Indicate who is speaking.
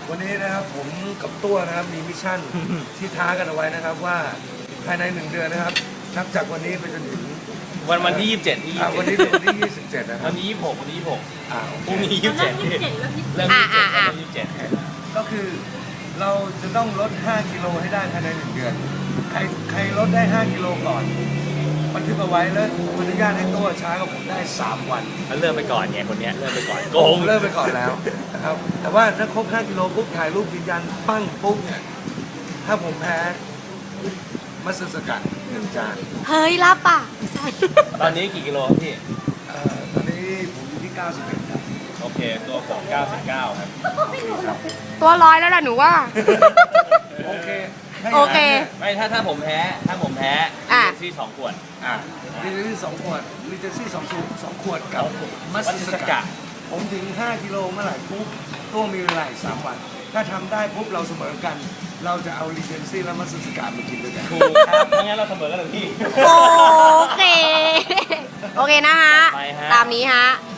Speaker 1: วันนี้นะครับผมกับตัวนะครับมีมิชชั่น ที่ท้ากันเอาไว้นะครับว่าภายใน1 เดือนนะครับนับจากวันนี้ไปจนถึง
Speaker 2: วันที่27ที่
Speaker 1: วันนี้เป็นวันที่27นะครั
Speaker 2: วั
Speaker 1: บ
Speaker 2: นนี้26วันนี้26
Speaker 1: โอ
Speaker 2: พรุ่ง
Speaker 1: เค
Speaker 2: นี้
Speaker 3: เริ่ม
Speaker 2: 27
Speaker 3: 27แล้วพี่
Speaker 2: เริ่ม27
Speaker 1: ก็คือเราจะต้องลด5 กิโลให้ได้ภายใน1 เดือนใครลดได้5 กิโลก่อนบันทึกเอาไว้แล้วผมอนุญาตให้ตัวช้ากับผมได้3 วัน
Speaker 2: มันเริ่มไปก่อนไงคนเนี้ยเริ่มไปก่อนโก
Speaker 1: ผ
Speaker 2: ง
Speaker 1: มเริ่มไปก่อนแล้วนะครับแต่ว่าถ้าครบ5 กิโลปุ๊บถ่ายรูปยืนยันปั้งปุ๊บเนี่ยถ้าผมแพ้มัสสกัด1 จาน
Speaker 3: เฮ้ยรับป่ะไม่ใช่
Speaker 2: ตอนนี้กี่กิโลครับพี่
Speaker 1: ตอนนี้ผมอยู่ที่91ครับ
Speaker 2: โอเคตัวผม99ครับ
Speaker 3: ตัวร้อยแล้วล่ะหนูว่า
Speaker 1: โอเค
Speaker 3: โอเค
Speaker 2: ไม่ถ้าผมแพ้
Speaker 3: อ่ะ
Speaker 2: ซี่2 ขวด
Speaker 1: ลิเจซี่2 ขวดลิเจซี่2 ขวดกับมัส
Speaker 2: มัส
Speaker 1: ส
Speaker 2: ส
Speaker 1: กั
Speaker 2: กั
Speaker 1: ด
Speaker 2: ด
Speaker 1: ผมถึง5 กิโลเมื่อไหร่ปุ๊บตัวมีเวลาอีก3 วัน ถ้าทำได้ปุ๊บเราเสมอกัน เราจะเอาลิเจซี่และมัสสกัดมากินด้วยกัน
Speaker 2: ถูกครับไม่งั้นเราเสมอกันเลยพี่
Speaker 3: โอเค โอเคนะฮะ
Speaker 2: ไปฮะ
Speaker 3: ตามนี้ฮะ